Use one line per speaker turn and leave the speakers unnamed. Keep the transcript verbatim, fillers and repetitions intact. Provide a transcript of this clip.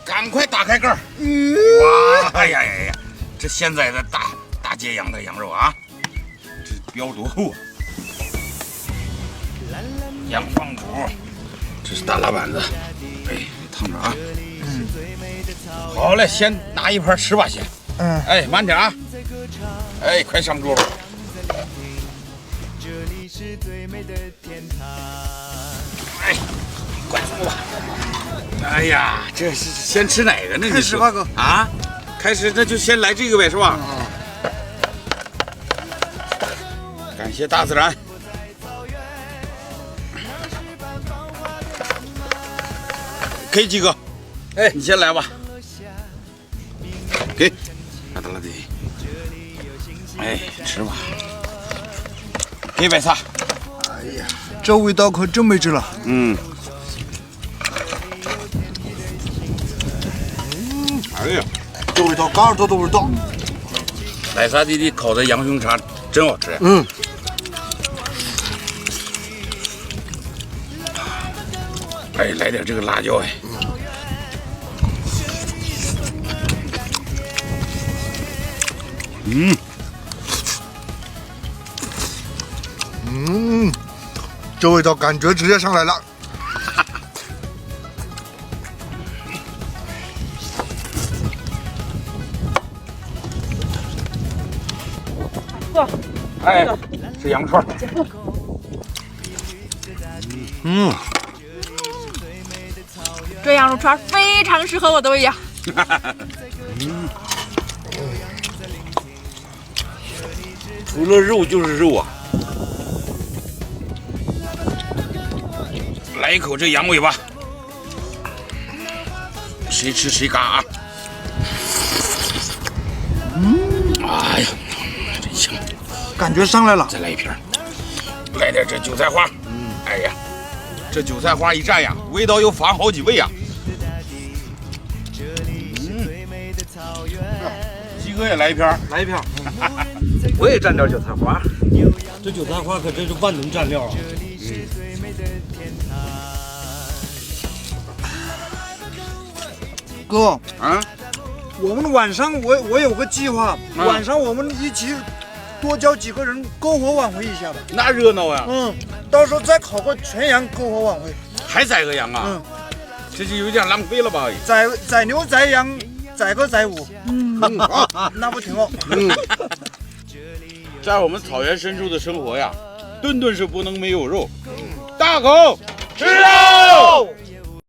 赶快打开盖儿！哇，哎呀呀呀！这现在的大大街养的羊肉啊，这膘多厚啊！羊放骨，这是大拉板子，哎，烫着啊！嗯，好嘞，先拿一盘吃吧，先。嗯，哎，慢点啊！哎，快上桌吧。哎，快坐吧。哎呀，这是先吃哪个呢？
开始吧，哥。
啊，开始那就先来这个呗，是吧？
嗯。
感谢大自然。给几个？哎，你先来吧。给，拉达拉的。哎，吃吧。给白菜。
哎呀，这味道可真没治了。
嗯。哎呀，
这味道，嘎耳朵的味道。
奶沙弟弟烤的羊胸肠真好吃。
嗯。
哎，来点这个辣椒哎。嗯。
嗯，这味道感觉直接上来了。
哥，
哎，吃羊串。
嗯，
这羊肉串非常适合我的胃呀。
嗯，除了肉就是肉啊！来一口这羊尾巴，谁吃谁嘎啊！
嗯，
哎呀，真香！
感觉上来了。
再来一瓶，来点这韭菜花。嗯，哎呀，这韭菜花一蘸呀，味道又翻好几倍呀。嗯，鸡哥也来一瓶，
来一瓶。我也蘸点韭菜花。这韭菜花可真是万能蘸料啊！
哥，
啊，
我们晚上我我有个计划，
啊、
晚上我们一起多叫几个人篝火晚会一下吧。
那热闹呀！
嗯，到时候再烤个全羊篝火晚会。
还宰个羊啊？嗯，这就有点浪费了吧？
宰宰牛宰羊宰个宰五。嗯，啊，那不挺好？嗯，
在我们草原深处的生活呀，顿顿是不能没有肉。大口吃肉。